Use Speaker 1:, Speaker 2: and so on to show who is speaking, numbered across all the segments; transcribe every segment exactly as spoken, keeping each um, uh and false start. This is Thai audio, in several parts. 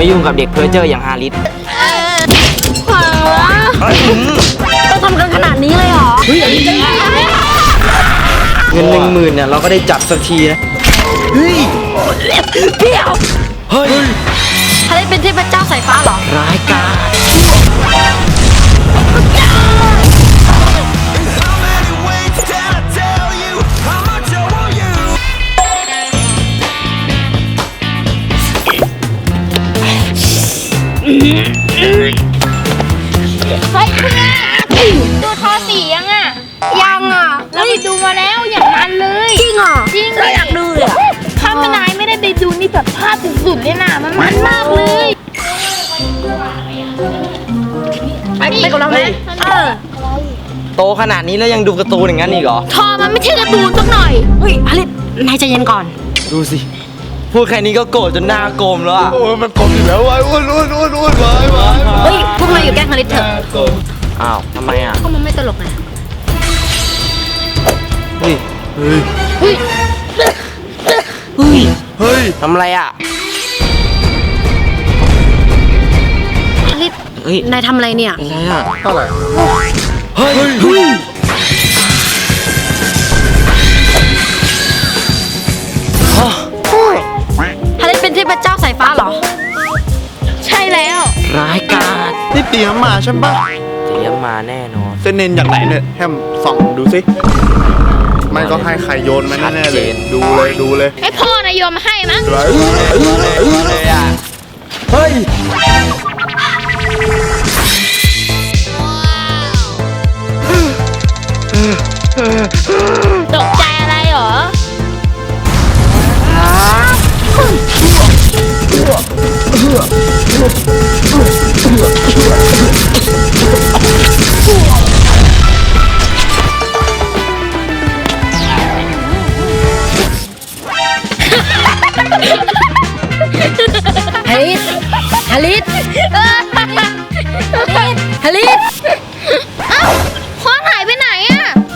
Speaker 1: ไม่ยุ่งกับเด็กเพ้อเจ้ออย่างฮาริส
Speaker 2: ขวางวะต้องทำกันขนาดนี้เลยเหรอ
Speaker 1: เงินหนึ่งหมื่นเนี่ยเราก็ได้จับสักทีนะเฮ้ย
Speaker 2: เดี๋ยว
Speaker 1: เฮ้ย
Speaker 2: ฮาริสเป็นเทพเจ้าสายฟ้าเหรอ
Speaker 1: ร้ายกาจ
Speaker 3: เฮ้ยเพื่อนดูทอสียังอ่ะ
Speaker 2: ยังอ่ะ
Speaker 3: เราไปดูมาแล้วอย่างนั้นเลย
Speaker 2: จริงเหรอ
Speaker 3: จริง
Speaker 2: เราอยากดูเลย
Speaker 3: ถ้ามันนายไม่ได้ไปดูนี่แบบภาพสุดๆเลยนะมันมันมากเลย
Speaker 2: ไปไปกับเราไหมเออ
Speaker 1: โตขนาดนี้แล้วยังดูการ์ตูนอย่างนั้นอีกเหรอ
Speaker 3: ทอมันไม่ใช่การ์ตูนสักหน่อย
Speaker 2: เฮ้ยฮาริสนายใจเย็นก่อน
Speaker 1: ดูสิพูดแค่นี้ก็โกรธจนหน้าโกมแล้วอ่ะ
Speaker 4: โอ้ยมันกลมอยู่แล้ววายอ้วนอ้วนอ้วนอ้วนวายวาย
Speaker 2: เฮ้ยพวกนายอยู่แกล้งฮาริสเถอะ
Speaker 1: อ้าวทำไมอ่ะ
Speaker 2: ก็มันไม่ตลกไง
Speaker 1: เฮ้ยเฮ้ย
Speaker 3: เฮ้ย
Speaker 1: เฮ้ย
Speaker 4: เฮ้ย
Speaker 1: ทำอะไรอ่ะ
Speaker 2: ฮาริส
Speaker 1: เฮ้ย
Speaker 2: นายทำอะไรเนี่ย
Speaker 1: อะไรอ่ะ
Speaker 4: เท่าไหร่
Speaker 1: เฮ้ยเฮ้ย
Speaker 2: ฮาริสเป็นเทพเจ้าสายฟ้าเหรอ
Speaker 3: ใช่แล้ว
Speaker 1: ร้ายกาจ
Speaker 4: นี่เตรียมมาใช่ปะ
Speaker 1: เตรียมมาแน่นอน
Speaker 4: เส้นเน้นจากไหนเนี่ยแฮมส่องดูสิไม่ก็ให้ใครโยนมาแน่ๆเลยดูเลยดูเลย
Speaker 3: ไอพ่อนายโยมมาให้มั้ง
Speaker 1: เลยเลยอ่ะเฮ้ย
Speaker 3: ตกใจอะไรหรอ
Speaker 2: ฮาริสฮาริสฮาริส
Speaker 3: เอ้าพ่อหายไปไหนอะ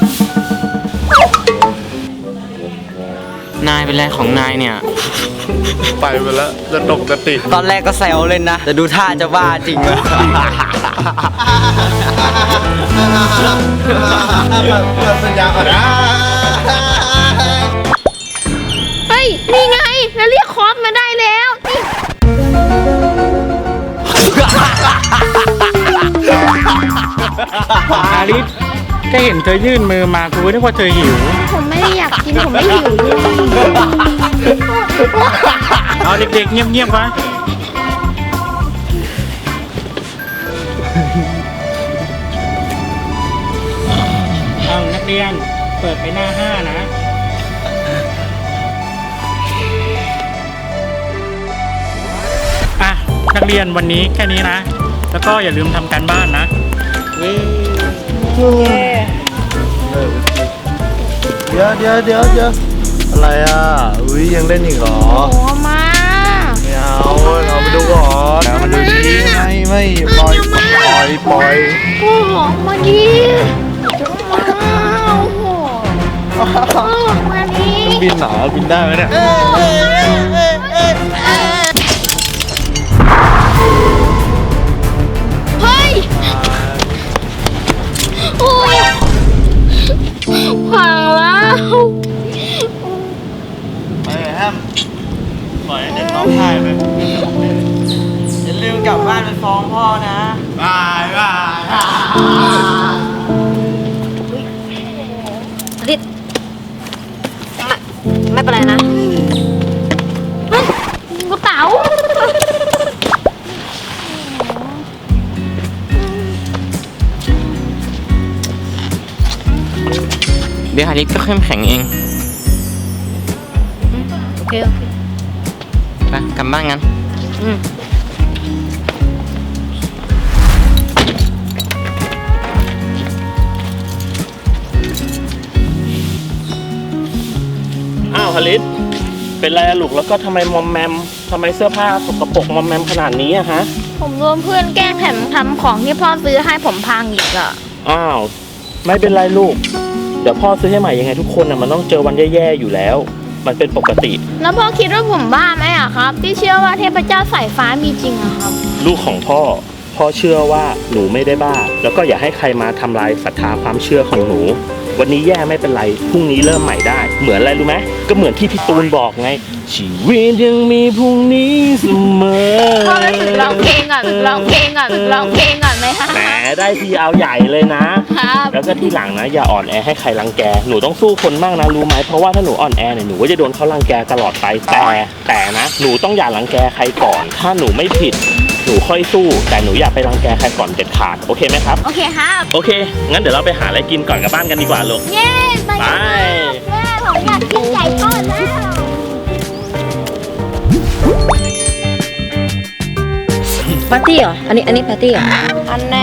Speaker 1: นายเป็นไรของนายเนี่ย
Speaker 4: ไปไปแล้วจะตกจะติด
Speaker 1: ตอนแรกก็แซวเล่นนะแต่ดูท่าจะบ้าจริงเลย
Speaker 4: สัญญาอ่ะนะ
Speaker 3: เฮ้ยนี่ไงเราเรียกคอสมาได้แล้ว
Speaker 5: ฮาริสก็เห็นเธอยื่นมือมากูนึกว่าเธอหิว
Speaker 3: ผมไม่ได้อยากกินผมไม่หิวเลย
Speaker 5: เอาเด็กๆเงียบๆไว้เอานักเรียนเปิดไปหน้าห้านะอ่ะนักเรียนวันนี้แค่นี้นะแล้วก็อย่าลืมทำการบ้านนะ
Speaker 4: เดี๋ยวเดี๋ยวเดี๋ยวเดี๋ยวอะไรอ่ะอุ้ยยังเล่นอีกเหรอ
Speaker 3: โอ้มา
Speaker 4: ไม่เอาเราไปดูก่อนแล้วมาดูดิไม่ไม่ปล่อยปล่อยปล่อย
Speaker 3: โอ้โหมาดิโอ้โหมาดิ
Speaker 4: บินหนาบินได้ไหมเนี่ย
Speaker 3: เฮ้ยโอ้ยพังแล้ว
Speaker 4: ไปแฮมปล่อยเด็กน้องชายไป
Speaker 1: อย่าลืมกลับบ้านไปฟ้องพ่อนะ
Speaker 4: บายบาย
Speaker 2: ฮาริสไม่เป็นไรนะ
Speaker 3: กระเป๋า
Speaker 1: เดี๋ยวฮาริสก็เข้มแข็งเอง
Speaker 2: โอเคโอเค
Speaker 1: ไปกลับบ้านงั้น
Speaker 2: อืม
Speaker 5: อ้าวฮาริสเป็นไรอะลูกแล้วก็ทำไมมอมแมมทำไมเสื้อผ้าสกปรกมอมแมมขนาดนี้อะฮะ
Speaker 3: ผมโดนเพื่อนแกล้งแถมทำของที่พ่อซื้อให้ผมพังอีกอะ
Speaker 5: อ้าวไม่เป็นไรลูกเดี๋ยวพ่อซื้อให้ใหม่ยังไงทุกคนน่ะมันต้องเจอวันแย่ๆอยู่แล้วมันเป็นปกติ
Speaker 3: แล้วพ่อคิดว่าผมบ้าไหมอะครับ ที่เชื่อว่าเทพเจ้าสายฟ้ามีจริงอะครับ
Speaker 5: ลูกของพ่อ พ่อเชื่อว่าหนูไม่ได้บ้า แล้วก็อย่าให้ใครมาทำลายศรัทธาความเชื่อของหนู วันนี้แย่ไม่เป็นไร พรุ่งนี้เริ่มใหม่ได้ เหมือนอะไรรู้ไหมก็เหมือนที่พี่ตูนบอกไง ชีวิตยังมีพรุ่งนี้เสมอ
Speaker 3: พ่อรู้สึกร้องเพลงก่อนร้องเพลงก่อนร้องเพลงก่อนไหมคะ
Speaker 5: แหมได้ทีเอาใหญ่เลยนะ
Speaker 3: ครับ
Speaker 5: แล้วก็ที่หลังนะอย่าอ่อนแอให้ใครรังแก หนูต้องสู้คนมากนะรู้ไหมเพราะว่าถ้าหนูอ่อนแอเนี่ยหนูก็จะโดนเขารังแกตลอดไป แต่แต่นะหนูต้องอย่ารังแกใครก่อน ถ้าหนูไม่ผิด หนูค่อยสู้ แต่หนูอย่าไปรังแกใครก่อนเด็ดขาดโอเคไหมครับ
Speaker 3: โอเคครับ
Speaker 5: โอเค งั้นเดี๋ยวเราไปหาอะไรกินก่อนกลับบ้านกันดีกว่าลูก
Speaker 3: เย้ไป
Speaker 5: ไป
Speaker 3: แม่ผมอยากกินไก่ทอดแล้ว
Speaker 2: ปาร์ตี้เหรอ อันนี้อันนี้ปาร์ตี้เหรอ
Speaker 3: อันแน่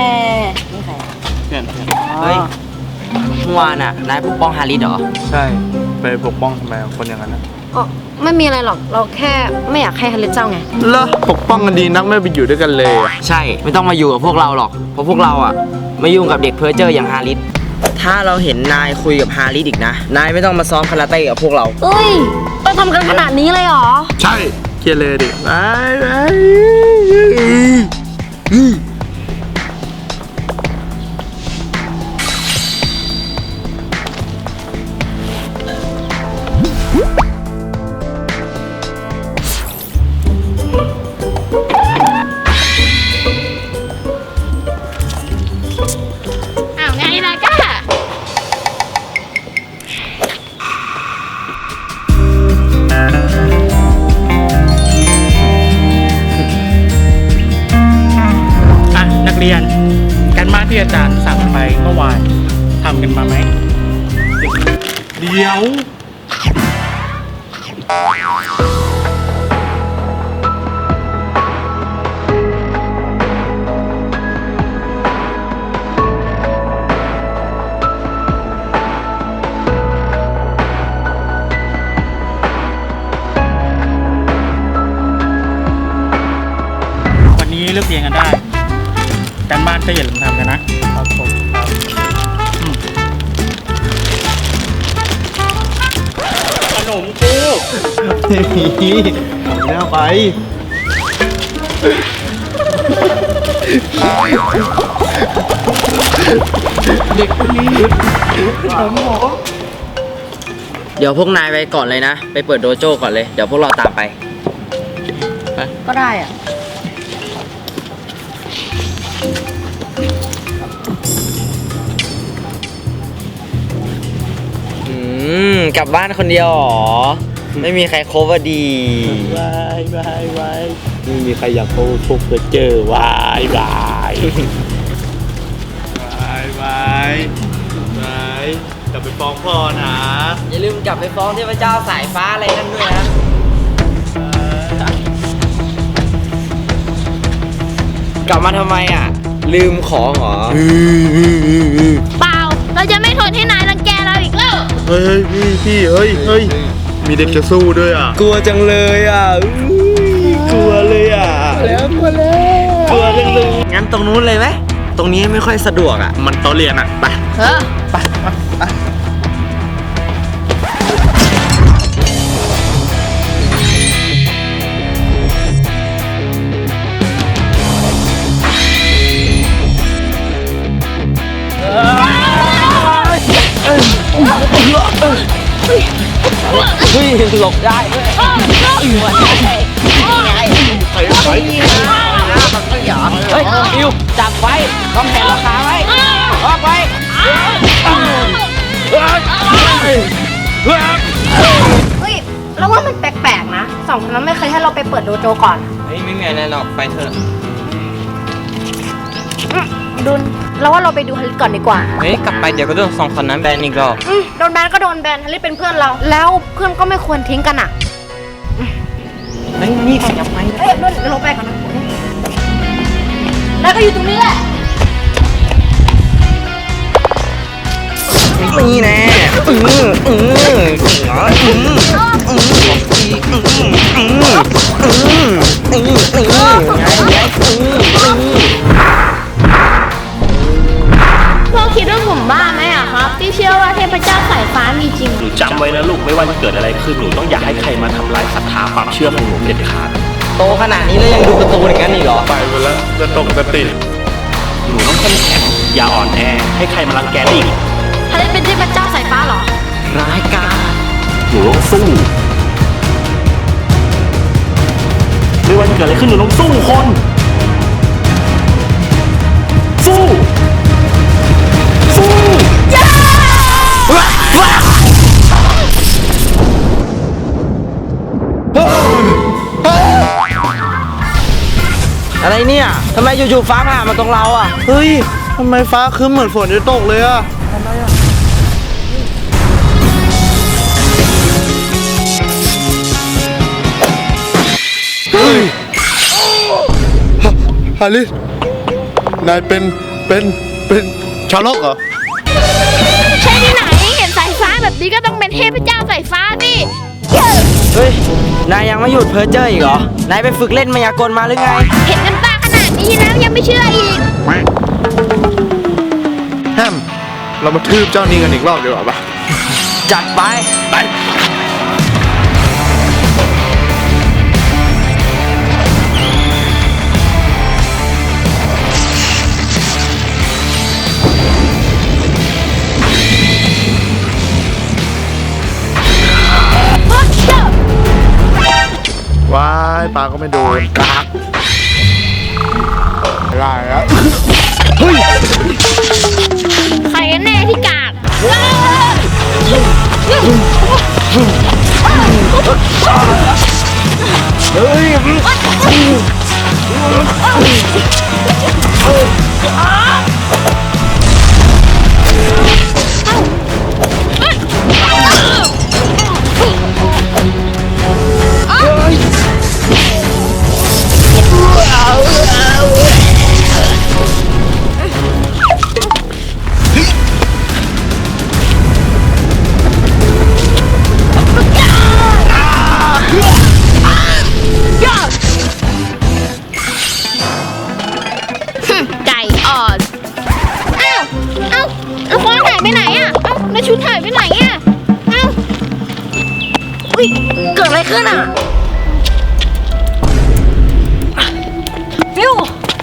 Speaker 1: เฮ้ยเมื่อวานอ่ะนายปกป้องฮาริสเหรอ
Speaker 4: ใช่ไปปกป้องทำไมคนอย่างนั้นนะ
Speaker 2: อ๋อ ไม่มีอะไรหรอก เราแค่ไม่อยากให้ฮันเลเจ้าไง
Speaker 4: เหรอปกป้องกันดีนักไม่ไปอยู่ด้วยกันเลยอะ
Speaker 1: ใช่ไม่ต้องมาอยู่กับพวกเราหรอกเพราะพวกเราอ่ะไม่ยุ่งกับเด็กเพ้อเจ้ออย่างฮาริสถ้าเราเห็นนายคุยกับฮาริสอีกนะนายไม่ต้องมาซ้อมคาราเต้กับพวกเรา
Speaker 2: เอ้ยต้องทำกันขนาดนี้เลยเหรอ
Speaker 4: ใช่เคลียร์เลยดิไปไป
Speaker 3: อ้าวไงล่ะก้า
Speaker 6: อ่ะนักเรียนการบ้านที่อาจารย์สั่งไปเมื่อวานทำกันมาไหมเดี๋ยว วันนี้เลิกเรียนกันได้การบ้านก็อย่าลืมทำกันนะครับผมอืมขนมกู
Speaker 4: เอาหน้าไปเด็กคนนี้ถามหมอ
Speaker 1: เดี๋ยวพวกนายไปก่อนเลยนะ ไปเปิดโดโจ้ก่อนเลยเดี๋ยวพวกเราตามไป
Speaker 2: ก็ได้อ่ะ
Speaker 1: อืมกลับบ้านคนเดียวเหรอไม่มีใครโคเวอร์ดี
Speaker 5: วายวายวายไม่มีใครอยากโค้ชเพื่อเจอวายวาย
Speaker 4: ไปไปไปกลับไปฟ้องพ่อนะ
Speaker 1: อย่าลืมกลับไปฟ้องเทพเจ้าสายฟ้าอะไรนั่นด้วยนะ กลับมาทำไมอ่ะ ลืมของเหรอ
Speaker 3: เปล่า เราจะไม่ทนให้นายรังแกเราอีกแล้ว
Speaker 4: เฮ้ยพี่พี่เฮ้ยเฮ้ยมีเด็กจะสู้ด้วยอ่ะ
Speaker 1: กลัวจังเลยอ่ะอุ๊ยกลัวเลยอ่ะ
Speaker 4: แล้วกลัวแล้ว
Speaker 1: กลัวจังเลยงั้นตรงนู้นเลยไหมตรงนี้ไม่ค่อยสะดวกอ่ะ
Speaker 4: มันโตะเรียนอ่ะไป
Speaker 3: เออ
Speaker 4: ไปไป
Speaker 1: เฮ้ยหลบได้ด้วย
Speaker 4: ไปไป
Speaker 1: เฮ้ยอิวจับไว้วางแผนราคาไว้ออกไว้
Speaker 2: เฮ้ย เราว่ามันแปลกๆนะ สองคนนั้นไม่เคยให้เราไปเปิดโดโจก่อน
Speaker 1: เฮ้ยไม่มีอะไรหรอกไปเถอะ
Speaker 2: อืมดุนเราว่าเราไปดูฮันลิก่อนดีกว่า
Speaker 1: เฮ้ยกลับไปเดี๋ยวก็โดนสองคนนั้นแบนอีกรอบ
Speaker 2: อืมโดนแบนก็โดนแบนฮันลิเป็นเพื่อนเรา แล้วเพื่อนก็ไม่ควรทิ้งกันอ่ะ
Speaker 1: เฮ้ยนี่ขยับไหม
Speaker 2: เอ้ยดุนเดี๋ยวเราไปก่อนนะแล้วก็อยู่ตรงนี้แหละ
Speaker 1: นี่แน่อืออืออืออืออืออืออืออืออืออือ
Speaker 3: พ่อคิดว่าผมบ้าไหมอะครับ ที่เชื่อว่าเทพเจ้าสายฟ้ามีจริง
Speaker 5: หนูจำไว้นะลูกไม่ว่าจะเกิดอะไรขึ้นหนูต้องอย่าให้ใครมาทำลายศรัทธาความเชื่อของหนูเด็ดขาด
Speaker 1: โตขนาดนี้แล้วยังดูการ์ตูนอย่างนั้นอีกเหรอ
Speaker 4: ไปหมดแล้วจะตกจะติด
Speaker 5: หนูต้องเข้มแข็งอย่าอ่อนแอให้ใครมารังแกได้อีก
Speaker 2: ฮาริสเป็นเทพเจ้าสายฟ้าเหรอ
Speaker 1: ร้ายกาจ
Speaker 5: หนูต้องสู้ไม่ว่าจะเกิดอะไรขึ้นหนูต้องสู้คนสู้สู้
Speaker 1: อะไรเนี่ยทำไมอยู่ๆฟ้าผ่ามาตรงเราอ่ะ
Speaker 4: เฮ้ยทำไมฟ้าครึ้มเหมือนฝนจะตกเลยอะเฮ้ยฮาริสนายเป็นเป็นเป็นชาวโลกเหรอ
Speaker 3: ใช่ที่ไหนเห็นสายฟ้าแบบนี้ก็ต้องเป็นเทพเจ้าสายฟ้าดิ
Speaker 1: เฮ้ย นายยังไม่หยุดเพ้อเจ้ออีกเหรอ นายไปฝึกเล่นมายากลมาหรือไง
Speaker 3: เห็นกันตาขนาดนี้แล้วยังไม่เชื่ออีก
Speaker 4: แฮม เรามาทืบเจ้านี่กันอีกรอบดีกว่าปะ
Speaker 1: จัดไป
Speaker 4: ไป ว้ายปลาก็ไม่โดนกากไม่ได้แล้ว
Speaker 3: ใครกันแน่ที่กาก ไก่อ่อนอ้าวเอ้าแล้วฟอนหายไปไหนอ่ะเอ้าแล้วชุดหายไปไหนอ่ะเอ้า
Speaker 2: อุ้ย เกิดอะไรขึ้นอ่ะ ฟิว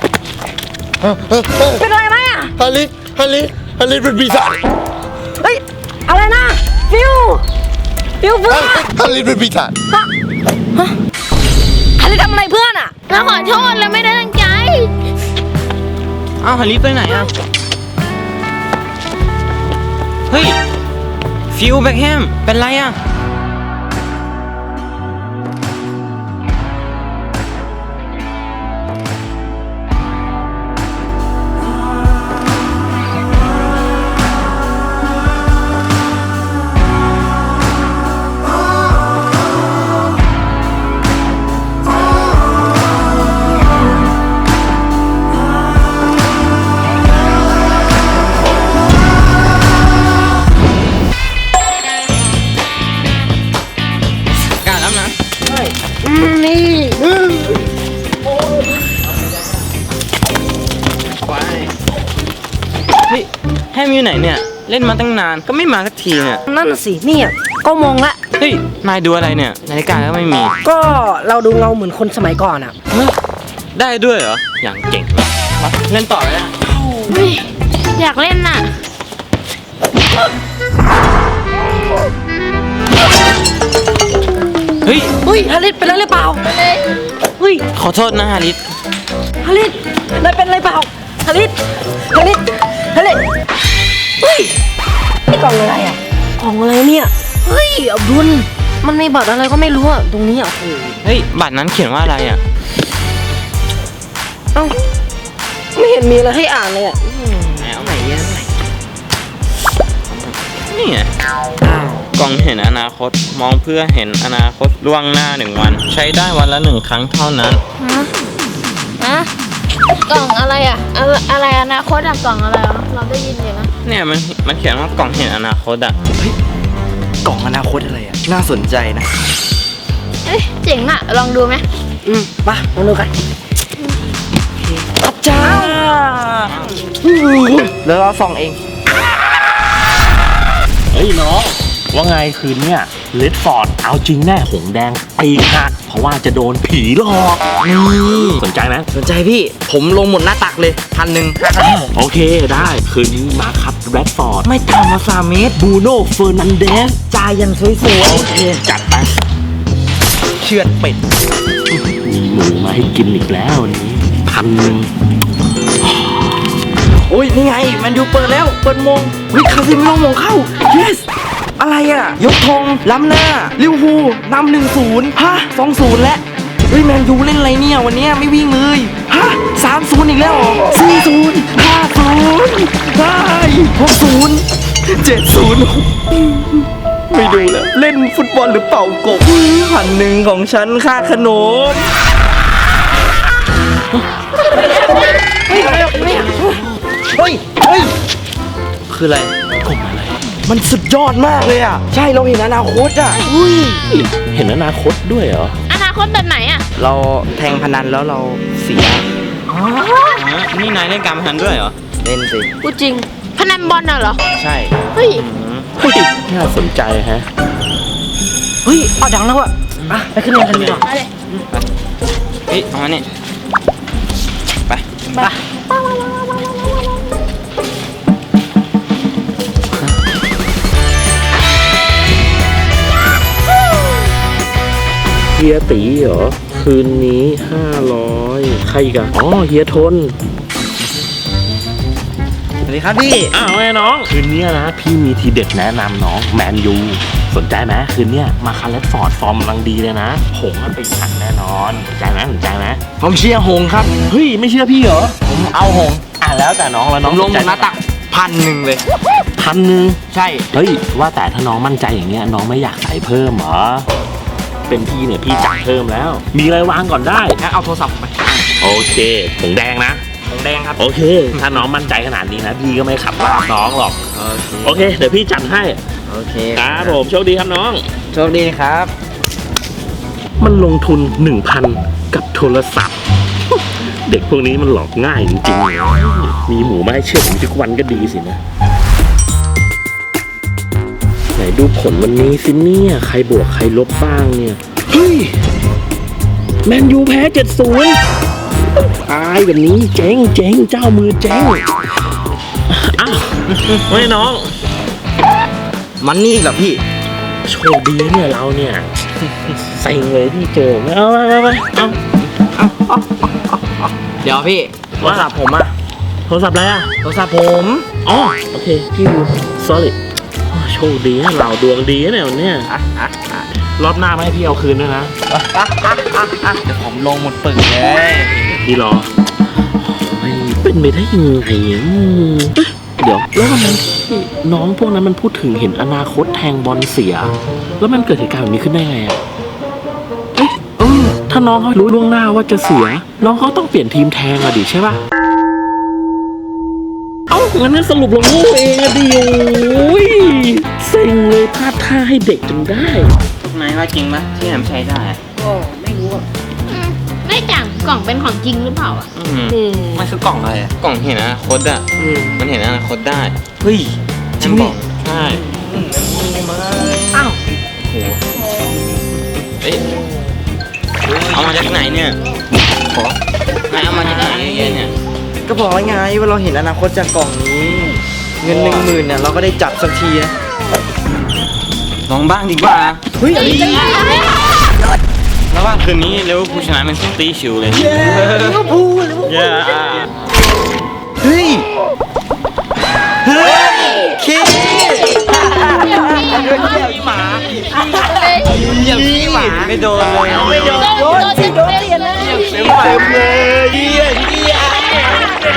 Speaker 2: เป็นอะไรไหมอ่ะ
Speaker 4: ฮาริสฮาริสฮาริสเป็นปีศาจ
Speaker 2: เฮ้ย อะไรนะ ฟิว ฟิวเพื่อน
Speaker 4: ฮาริสเป็นปีศาจ
Speaker 2: ฮาริสทำอะไรเพื่อนอ่ะ
Speaker 3: เราขอโทษเราไม่ได้ตั้งใจ
Speaker 1: เอ้าฮาริสไปไหนอ่ะ เฮ้ย ฟิลแบ็คแฮม เป็นไรอ่ะ กล้าแล้วนะ เฮ้ยแฮมอยู่ไหนเนี่ย เล่นมาตั้งนานก็ไม่มาสักทีเนี่ย
Speaker 2: นั่นน่ะสิเนี่ยก็มองละ
Speaker 1: เฮ้ย นายดูอะไรเนี่ย นาฬิกาก็ไม่มี
Speaker 2: ก็เราดูเงาเหมือนคนสมัยก่อนอ่ะ
Speaker 1: เฮ้ยได้ด้วยเหรอ อย่างเก่งเลยมาเล่นต่อเลยนะ
Speaker 3: เฮ้ยอยากเล่นน่ะ
Speaker 1: เฮ้ย
Speaker 2: เฮ้ย ฮาริสเป็นอะไรหรือเปล่า เฮ้ย
Speaker 1: ขอโทษนะฮาริส
Speaker 2: ฮาริสนายเป็นอะไรเปล่า ฮาริสฮาริสฮาริสเฮ้ย นี่กล่องอะไรอ่ะ กล่องอะไรเนี่ย เฮ้ยอับดุลมันมีบัตรอะไรก็ไม่รู้อ่ะ ตรงนี้อ่ะโอ้โห
Speaker 1: เฮ้ย บัตรนั้นเขียนว่าอะไรอ่ะ
Speaker 2: เอ้า ไม่เห็นมีอะไรให้อ่านเลยอ่ะ
Speaker 1: ไหนเอาใหม่เยอะหน่อยนี่ไง
Speaker 2: อ้าว
Speaker 1: กล่องเห็นอนาคต มองเพื่อเห็นอนาคตล่วงหน้าหนึ่งวัน ใช้ได้วันละหนึ่งครั้งเท่านั้น
Speaker 3: ฮะฮะกล่องอะไรอ่ะอะไรอะไรอนาคตอ่ะกล่องอะไรอ่ะเราได้ยินอยู่นะ
Speaker 1: เนี่ยมันมันเขียนว่ากล่องเห็นอนาคตอ่ะ กล่องอนาคตอะไรอ่ะ น่าสนใจนะ
Speaker 3: เอ้ยเจ๋งอ่ะลองดูไหม
Speaker 2: อืมมามาดูกัน
Speaker 1: อาจารย์แล้วเราส่องเอง โอ้
Speaker 5: ว่าไงคืนเนี่ยเลดฟอร์ดเอาจริงแน่หงแดงปีกหักเพราะว่าจะโดนผีหลอกนี่สนใจไหม
Speaker 1: สนใจพี่ ผมลงหมดหน้าตักเลยพันหนึ่ง
Speaker 5: โอเคได้คืนนี้มาครับแรดฟอร์ด
Speaker 1: ไม่ต่ำกว่าสามเมตร
Speaker 5: บูโน่เฟอร์นันเดส
Speaker 1: จ่ายอย่างสวย
Speaker 5: โอเคจัดไป
Speaker 1: ๆเชือดเป็ด
Speaker 5: มีหมูมาให้กินอีกแล้ววันนี้พันหนึ่ง
Speaker 1: โอ้ยนี่ไงแมันยูเปิดแล้วเปิดโมงวิคาซิมิโนโมงเข้า yes อะไรอ่ะ ยกธงล้ำหน้าลิเวอร์พูลนำหนึ่งศูนย์ฮะสองศูนย์แล้วเฮ้ยแมนยูเล่นอะไรเนี่ยวันเนี้ยไม่วิ่งเลยฮะสามศูนย์อีกแล้วเหรอสี่ศูนย์ห้าศูนย์ห้าหกศูนย์เจ็ดศูนย์ไม่ดูแล้วเล่นฟุตบอลหรือเป่ากบพันหนึ่งของฉันค่าขนมเฮ้ยอะไรเนี่ยเฮ้ยเฮ้ยคืออะไร
Speaker 5: กลมอะไร
Speaker 1: มันสุดยอดมากเลยอ่ะใช่เราเห็นอนาคตอ่ะอุ้ย
Speaker 5: เห็นอนาคตด้วยเหรอ
Speaker 3: อนาคตแบบไหนอ่ะ
Speaker 1: เราแทงพนันแล้วเราเสีย
Speaker 4: นี่นายเล่นการพนันด้วยเหรอ
Speaker 1: เล่นสิ
Speaker 2: พูดจริง
Speaker 3: พนันบอลน่ะเหรอ
Speaker 1: ใช่
Speaker 3: เฮ้ย
Speaker 5: เฮ้ยน่าสนใจฮะ
Speaker 1: เฮ้ยเอาดังแล้วอ่ะอ่ะไปขึ้นเรียนกันดีกว่า
Speaker 3: มาเลย
Speaker 4: เฮ้ย เอามานี่ไป
Speaker 1: ไป
Speaker 5: เฮียตีเหรอ คืนนี้ห้าร้อยใครอีกันอ๋อเฮียทน
Speaker 1: สวัสดีครับพี่
Speaker 5: อ้าวไอ้น้อง คืนนี้นะ พี่มีทีเด็ดแนะนำน้องแมนยูสนใจไหมคืนเนี้ยมาคาร์เลตฟอร์ดฟอร์มกำลังดีเลยนะหงมันไปขันแน่นอนสนใจไหมสนใจไหม
Speaker 1: ผมเชียร์หงส์ครับ
Speaker 5: เฮ้ย ไม่เชื่อพี่เหรอ
Speaker 1: ผมเอาหงส์
Speaker 5: อ่ะแล้วแต่น้องแล้ว
Speaker 1: ผ
Speaker 5: น้อง
Speaker 1: มลง
Speaker 5: ส
Speaker 1: หม
Speaker 5: ใจ
Speaker 1: ดหน้าตักพันหนึ่งเลย
Speaker 5: พันหนึ่ง
Speaker 1: ใช่
Speaker 5: เฮ้ย ว่าแต่ถ้าน้องมั่นใจอย่างเงี้ยน้องไม่อยากใส่เพิ่มเหรอ เป็นพี่เนี่ยพี่จัดเพิ่มแล้ว มีอะไรวางก่อนได้
Speaker 1: งั้นเอาโทรศัพท์ผมไป
Speaker 5: โอเคหงแดงนะ
Speaker 1: หงส์แดงครับ
Speaker 5: โอเค ถ้าน้องมั่นใจขนาดนี้นะพี่ก็ไม่ขับตามน้องหรอก โอเค เดี๋ยวพี่จัดให้
Speaker 1: โอเค
Speaker 5: ครับผมโชคดีครับน้อง
Speaker 1: โชคดีครับ
Speaker 5: มันลงทุน หนึ่งพัน กับโทรศัพท์ เด็กพวกนี้มันหลอกง่ายจริงๆเลยมีหมูมาให้เชื่อผมทุกวันก็ดีสินะ ไหนดูผลวันนี้สิเนี่ย ใครบวกใครลบบ้างเนี่ย เฮ้ย แมนยูแพ้ เจ็ดศูนย์ ตายแบบนี้เจ๊งเจ๊งเจ้ามือเจ๊งอ้าวเฮ้ยน้อง
Speaker 1: มันนี่อีกเหรอพี่
Speaker 5: โชคดีเนี่ยเราเนี่ยเซ็งเลยที่เจอเอาไปไปไปเอา
Speaker 1: เดี๋ยวพี่โทรศัพท์ผมอะ
Speaker 5: โทรศัพท์อะไรอ่ะ
Speaker 1: โทรศัพท์ผม
Speaker 5: อ๋อโอเค พี่ดู sorry โอ้โชคดีนะเราดวงดีนะเนี่ยวันเนี้ย
Speaker 1: อ่ะอ่ะอ่ะ
Speaker 5: รอบหน้าไม่ให้พี่เอาคืนด้วยนะ
Speaker 1: อ่ะอ่ะอ่ะอ่ะเดี๋ยวผมลงหมดปึกเลย
Speaker 5: พี่รอโอ้ยเป็นไปได้ยังไงอ่ะอืมเดี๋ยวแล้ววันนั้นที่น้องพวกนั้นมันพูดถึงเห็นอนาคตแทงบอลเสีย แล้วมันเกิดเหตุการณ์แบบนี้ขึ้นได้ไงอ่ะเอ๊ะเออถ้าน้องเขารู้ล่วงหน้าว่าจะเสีย น้องเขาต้องเปลี่ยนทีมแทงอะดิใช่ป่ะ เอ้างั้นสรุปเราโง่เองอะดิโอ้ยเซ็งเลยพลาดท่าให้เด็กจนได้
Speaker 4: นายว่าจริงปะที่แหมใช้ได้อะ
Speaker 2: ก็ไม่รู้อ่ะ
Speaker 3: อืมไม่จังกล่องเป็นของจริงหรือเปล่าอ่ะ
Speaker 4: อืม
Speaker 2: อืม
Speaker 4: มันคือกล่องอะไรอะกล่องเห็นอนาคตอะ
Speaker 1: อืม
Speaker 4: มันเห็นอนาคตได้
Speaker 1: เฮ้ยจริง
Speaker 4: บ
Speaker 1: ดิ
Speaker 4: อกใช่
Speaker 2: อ้าว
Speaker 4: โหเอ้ยเอามาจากไหนเนี่ยขอนายเอามาจากไหนเนี่ย
Speaker 1: ก็บอกแล้วไงว่าเราเห็นอนาคตจากกล่องนี้ เงินหนึ่งหมื่นเนี่ยเราก็ได้จับสักทีนะ
Speaker 4: ลองบ้างดีกว่า
Speaker 1: เฮ้ยอันนี้
Speaker 4: แล้วว่าคืนนี้เลเวอร์พูลชนะแมนซิตี้ชิวเลย
Speaker 1: ลิเวอร์พูลลิเวอร์พูล
Speaker 4: เย้อ่ะ
Speaker 1: เฮ้ยเฮ้ยเคเหยียบหมาเหยียบขี้หมา
Speaker 4: ไม่โดนเลย
Speaker 1: ไม่โดนโดนสิโดนเตียนเลยเต็มเต็มเลยเยี่ยเยี่ย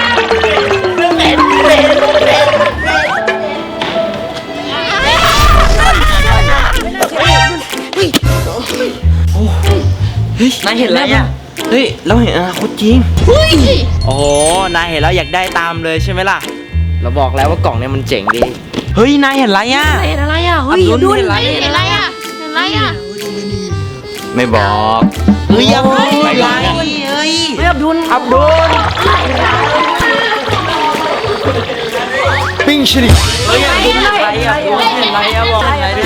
Speaker 1: เฮ้ยนายเห็นอะไรอ่ะ
Speaker 4: เฮ้ย เราเห็นอนาคตจริง
Speaker 1: โอ้โหนายเห็นแล้วอยากได้ตามเลยใช่ไหมล่ะ เราบอกแล้วว่ากล่องเนี่ยมันเจ๋งดี เฮ้ย นายเห็นอะไรอ่ะ
Speaker 2: เห็นอะไรอ่ะ เฮ้ย
Speaker 1: อับดุล
Speaker 2: ดุล
Speaker 1: เห็นอะไร
Speaker 3: เห็นอะไรอ่ะ เห็นอะไรอ่ะ
Speaker 4: ไม่บอก
Speaker 1: เฮ้ยยังไง
Speaker 4: ไม่บอก
Speaker 1: เฮ้ยเฮ้ย
Speaker 2: เฮ้ยอับดุล
Speaker 1: อับดุลปิ้งชริเฮ้ยอับดุลเห็นอะไรอ่ะอับดุลเห็นอะไรอ่ะบอกหน่อยดิ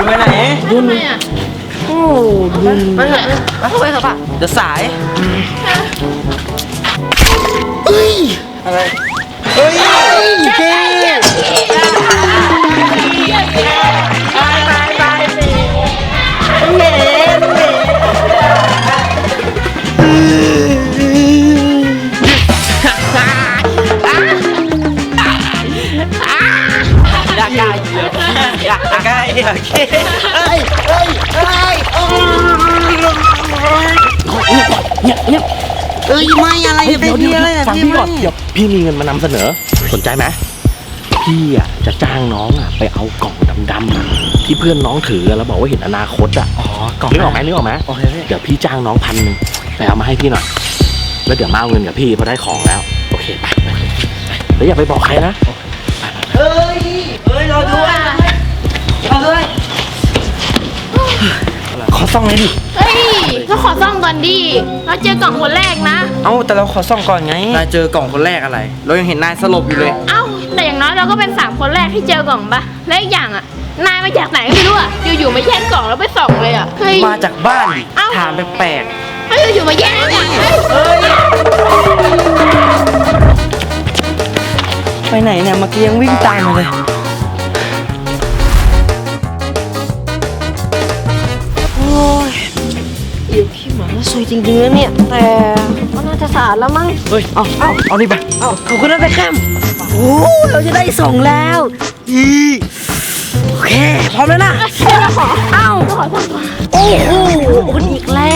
Speaker 1: ไปไหน
Speaker 2: ดุน
Speaker 3: ทำไมอ่ะ
Speaker 2: โอ้ดุนไปเถอะเข้าไปเถอะป่ะ
Speaker 1: จะสาย อะไร เฮ้ยเจ๊ อยากได้อยากได้อยากได้เอ้ยเอ้ยเอ้ยเงียบเงียบเอ้ยไม่อะไร
Speaker 5: เฮ้ย
Speaker 1: เป็น
Speaker 5: เดี๋ยว
Speaker 1: พี่
Speaker 5: เดี๋ยว
Speaker 1: อะไรนะ
Speaker 5: ฟัง
Speaker 1: พี่
Speaker 5: พี่ก่อนเดี๋ยวพี่มีเงินมานำเสนอ สนใจไหมพี่อ่ะจะจ้างน้องอ่ะไปเอากล่องดำๆอะที่เพื่อนน้องถือแล้วบอกว่าเห็นอนาคตอ่ะ
Speaker 1: อ๋อกล่อง
Speaker 5: นึกออกไหมนึกออกไหม
Speaker 1: โอเคพี่
Speaker 5: เดี๋ยวพี่จ้างน้องพันหนึ่งไปเอามาให้พี่หน่อยแล้วเดี๋ยวมาเอาเงินกับพี่พอได้ของแล้วโอเคไปไปไปแล้วอย่าไปบอกใครนะ
Speaker 1: เฮ้ยเฮ้ยรอด้วยรอด้วยขอซ่องเลยดิ
Speaker 3: เฮ้ยก็ขอซ่องก่อนดิเราเจอกล่องคนแรกนะ
Speaker 1: เอ้าแต่เราขอซ่องก่อนไงนายเจอกล่องคนแรกอะไร เรายังเห็นนายสลบอยู่เลย
Speaker 3: เอ้าแต่อย่างน้อยเราก็เป็นสามคนแรกที่เจอกล่องปะและอีกอย่างอ่ะนายมาจากไหนก็ไม่รู้อ่ะอยู่ๆมาแย่งกล่องแล้วไปส่องเลยอ่ะเฮ้ย
Speaker 1: มาจากบ้านดิ
Speaker 3: เอ้า
Speaker 1: ถามแปลก
Speaker 3: เฮ้ยอยู่ๆมาแย่งอ่ะเฮ้ย
Speaker 1: ๆไปไหนเนี่ยเมื่อกี้ยังวิ่งตามมาเลย
Speaker 2: โอ้ยอยู่ขี้หมาแล้วสวยจริงๆนะเนี่ย แต่ก็น่าจะสะอาดแล้วมั้ง
Speaker 1: เฮ้ย เอาเอาเอานี่ไป
Speaker 2: เอ้าขอบคุณนะแต่แคมโอ้เราจะได้ส่งแล้วอีโอเค พร้อมแล้วนะ เอ้า
Speaker 3: ขอซ่องก่อน
Speaker 2: โอ้โหคนอีกแล้ว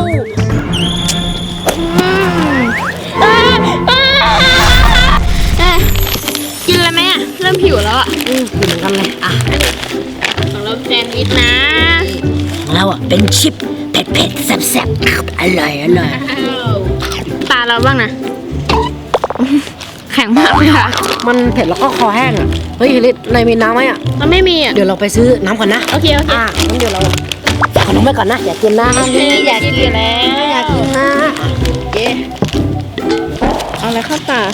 Speaker 3: อืมเอ้ยเอ้ยเอ้ยกินอะไรไหมอ่ะเริ่มหิวแล้วอ่ะ
Speaker 2: อืมเหมือนกันเลยอ่ะ
Speaker 3: ของเราแซนด์วิชนะ
Speaker 2: เราอ่ะเป็นชิปเผ็ดๆแซ่บๆอร่อยอร่อย
Speaker 3: ตาเราบ้างนะ แข็งมากเลยค่ะ
Speaker 2: มันเผ็ดแล้วก็คอแห้งอ่ะ เฮ้ยลิศนายมีน้ำไหมอ่ะ
Speaker 3: เราไม่มีอ่ะ
Speaker 2: เดี๋ยวเราไปซื้อน้ำก่อนนะ
Speaker 3: โอเคโอเค
Speaker 2: อ่ะงั้นเดี๋ยวเราฝากขนมไว้ก่อนนะ อยากกินนะ
Speaker 3: อยากกินอยู่แล้ว
Speaker 2: อยากกินนะ
Speaker 3: เย้เอาอะไรเข้าตา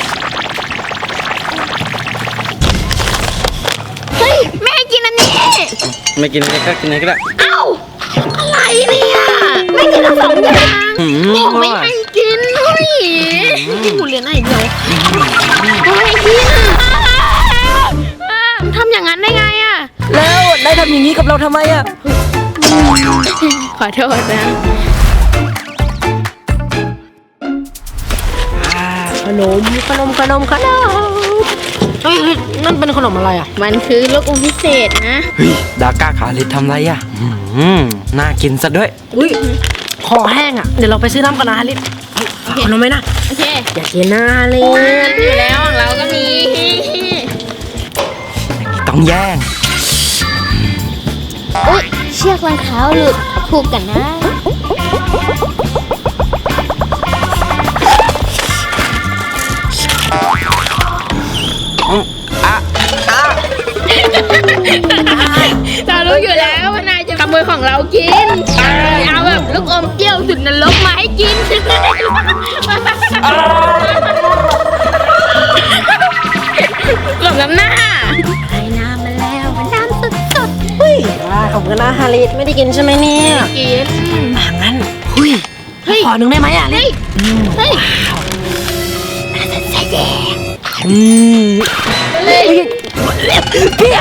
Speaker 3: เฮ้ยแม่ให้กินอันนี้
Speaker 1: ไม่กินอะไรก็กินอะไรก็ได้
Speaker 3: เอ้าอะไรเนี่ยไม่กินทั้งสองอย่าง
Speaker 1: อืม
Speaker 3: บอกไม่ให้กินเฮ้ยกินหมูเรียนอะไรเดียวไม่ให้กินอ่าทำอย่างนั้นได้ไงอ่ะ
Speaker 2: แล้วนายทำอย่างนี้กับเราทำไมอ่ะ
Speaker 3: ขอโทษนะ
Speaker 2: ขนมขนมขนมขนมเฮ้ยลิศนั่นเป็นขนมอะไรอ่ะ
Speaker 3: มันคือลูกอมพิเศษนะ
Speaker 1: เฮ้ย ดาก้าขาลิศทำไรอ่ะ อืมน่ากินซะด้วย
Speaker 2: อุ้ยคอแห้งอ่ะ เดี๋ยวเราไปซื้อน้ำกันนะลิศฝากขนมไหมนะ
Speaker 3: โอเค
Speaker 2: อยากกินนะลิศ
Speaker 3: อยู่แล้วของเราก็มี
Speaker 1: ต้องแย่ง
Speaker 3: อุ๊ยเชือกรองเท้าหลุดผูกกันนะ เรารู้อยู่แล้วว่านายจะขโมยของเรากินเอาแบบลูกอมเปรี้ยวสุดนรกมาให้กินกลบน้ำหน้าไอ้น้ำมาแล้วมันน้ำสดสด
Speaker 2: เฮ้ยอ่าขอบคุณนะฮาริสไม่ได้กินใช่ไหมเนี่ย
Speaker 3: ๆกิน
Speaker 2: อ่างั้นเฮ้ย
Speaker 3: เฮ้ย
Speaker 2: ขอหนึ่งได้ไหมอ่ะลิ
Speaker 3: เฮ้
Speaker 2: ศ
Speaker 3: ย เฮ้ย
Speaker 2: อืม
Speaker 3: เฮ้ย
Speaker 2: เปรี้ยว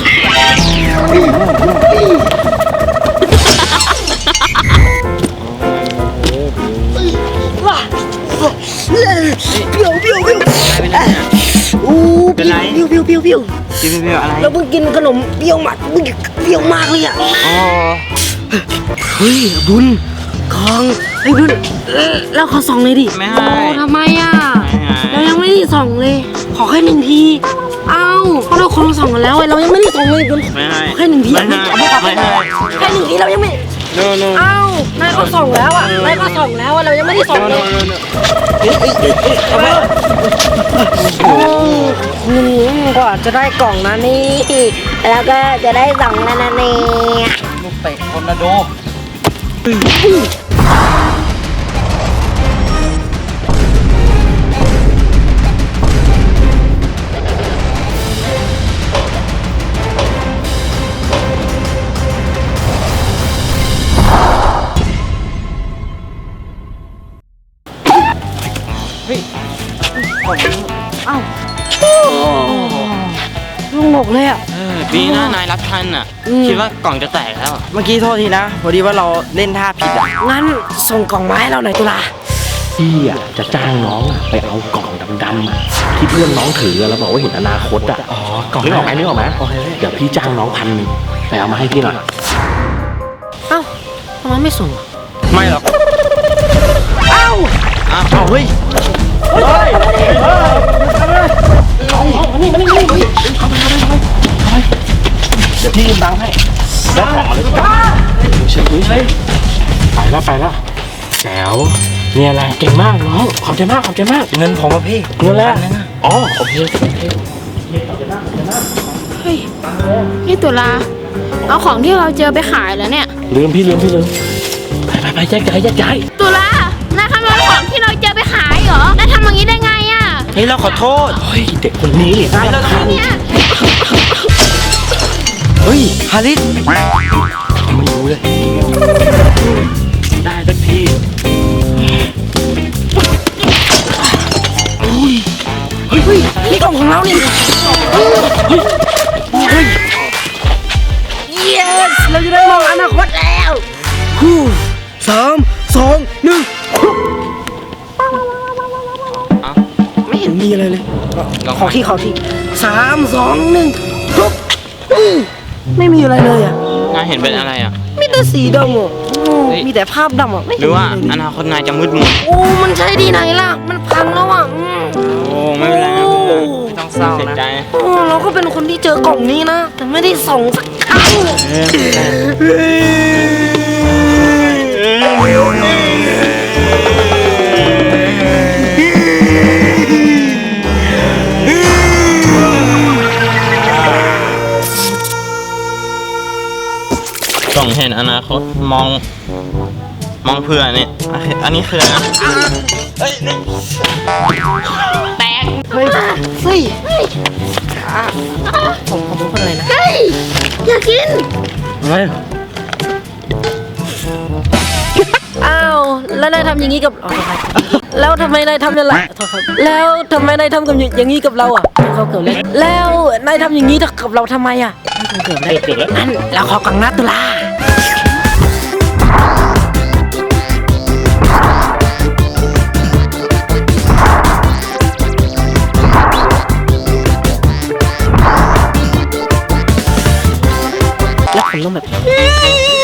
Speaker 2: ว้าเปรี้ยวเปรี้ยวเปรี้ยวอู้
Speaker 1: เป็นไร
Speaker 2: เปรี้ยวเปรี้ยวเปรี้ยวเปรี้ยว
Speaker 1: กินเปรี้ยวๆอะไร
Speaker 2: เราเพิ่งกินขนมเปรี้ยวมากเปรี้ยวมากเลยอ่ะ
Speaker 1: อ๋อ
Speaker 2: เฮ้ยบุญของไอ้บุญเอ่อแล้วขอส่องเลยดิ
Speaker 1: ไม่ให้
Speaker 2: โอ้ทำไมอ่ะ
Speaker 1: ไม่ให้
Speaker 2: เรายังไม่ได้ส่องเลย ขอแค่หนึ่งที เอ้าเพราะเราคนละส่องกันแล้วไงเรายังไม่ได้ส่องเลยบุญ
Speaker 1: ไม่ให้
Speaker 2: ขอแค่หนึ่งที
Speaker 1: ไม่ให้
Speaker 2: เอาไม่เอา
Speaker 1: ไม่ให้
Speaker 2: แค่หนึ่งทีเรายังไม่
Speaker 1: no no
Speaker 2: เอ้านายก็ส่องแล้วอ่ะนายก็ส่องแล้วอ่ะเรายังไม่ได้ส่องเลย โอ้อืมกว่าจะได้กล่องนะนี่ แล้วก็จะได้สองแล้วนะเนี่ย
Speaker 1: ลูกเตะทอร์นาโด
Speaker 2: เอ้าลุงหมกเลยอ่ะ
Speaker 4: เออดีนะนายรับทันอ่ะ
Speaker 2: อืม
Speaker 4: คิดว่ากล่องจะแตกแล้วอะ
Speaker 1: เมื่อกี้โทษทีนะ พอดีว่าเราเล่นท่าผิดอ่ะ
Speaker 2: งั้นส่งกล่องไม้เราหน่อยตุลา
Speaker 5: พี่อ่ะจะจ้างน้องอะไปเอากล่องดำๆอะที่เพื่อนน้องถือแล้วบอกว่าเห็นอนาคตอ่ะ
Speaker 1: อ๋อกล่อง
Speaker 5: นึกออกไหมนึกออกไหมเดี๋ยวพี่จ้างน้องพันหนึ่งไปเอามาให้พี่หน่อย
Speaker 2: เอ้าทำไมไม่ส่งอ่ะ
Speaker 1: ไม่หรอก
Speaker 2: เอ้า
Speaker 1: อ้าวเอาเฮ้ย
Speaker 5: เดี๋ยวพี่ยืมตังค์ให้ได้ของมาเลยเชิญเฮ้ยไปแล้วไปแล้วแจ๋วเนี่ยแหละเก่งมากน้องขอบใจมากขอบใจมาก
Speaker 1: เงินผมอะพี่
Speaker 5: เงินแล้วอ๋อโอเคโอเค
Speaker 3: เฮ้ยพี่ตุลาเอาของที่เราเจอไปขายแล้วเนี่ย
Speaker 5: ลืมพี่ลืมพี่ลืมไปไปไปแยกย้ายแยกย้าย
Speaker 3: ตุลานายขโมยของที่เราเจอไปขายเหรอนายทำอย่างนี้ได้ไงอ่ะ
Speaker 1: เฮ้ยเราขอโทษ
Speaker 5: เฮ้ยเด็กคนนี้นี่น่ารำคาญ
Speaker 3: เนี่ย
Speaker 1: เฮ้ยฮาริส
Speaker 5: ไม่รู้เลยได้สักที
Speaker 2: นี่กล่องของเรานี่ yes เราจะได้มองอนาคตแล้ว
Speaker 1: ฮู้สามสองหนึ่ง
Speaker 2: ไม่เห็นมีอะไรเลย
Speaker 4: ลอง
Speaker 2: ขอที่ขอที่สามสองหนึ่งทุบอืมไม่มีอะไรเลยอ่ะ
Speaker 4: นายเห็นเป็นอะไรอ่ะ
Speaker 2: มีแต่สีดำอ่ะโอ้
Speaker 4: เฮ้ย
Speaker 2: มีแต่ภาพดำอ่ะไม่
Speaker 4: ห
Speaker 2: เห็น
Speaker 4: รือว่า
Speaker 2: มีะ
Speaker 4: อ
Speaker 2: ไรเลย
Speaker 4: นาคตนายจะมืดมน
Speaker 2: โอ้มันใช่ดีไหนล่ะ มันพังแล้วอ่ะอืม
Speaker 4: โอ้ไม่เป็นไรไม่เป็นไรไม่ต้องเศร้านะใจ
Speaker 2: โอ้เราก็เป็นคนที่เจอกล่องนี้นะ แต่ไม่ได้ส่งสักครั้ง
Speaker 4: ส่องเห็นอนาคตมอง มองเผื่อเนี่ยอันนี้คืออะไรนะเฮ้ยนี่
Speaker 2: เฮ้ยเฮ้ยอ่ะผมผมเป็นคนอะไรนะ
Speaker 3: เฮ้ยอยากกิน
Speaker 1: เฮ้ย
Speaker 2: อ้าวแล้วนายทำอย่างนี้กับอ๋อโทษครับแล้วทำไมนายทำอย่างไรโทษครับแล้วทำไมนายทำกับอย่างนี้กับเราอ่ะเขาเกิดอะไรแล้วนายทำอย่างนี้กับเราทำไมอ่ะเกิดอะไร
Speaker 5: เกิดแล้ว
Speaker 2: งั้นเราขอกล่องนัดตุลาแล้วผมต้องแบบ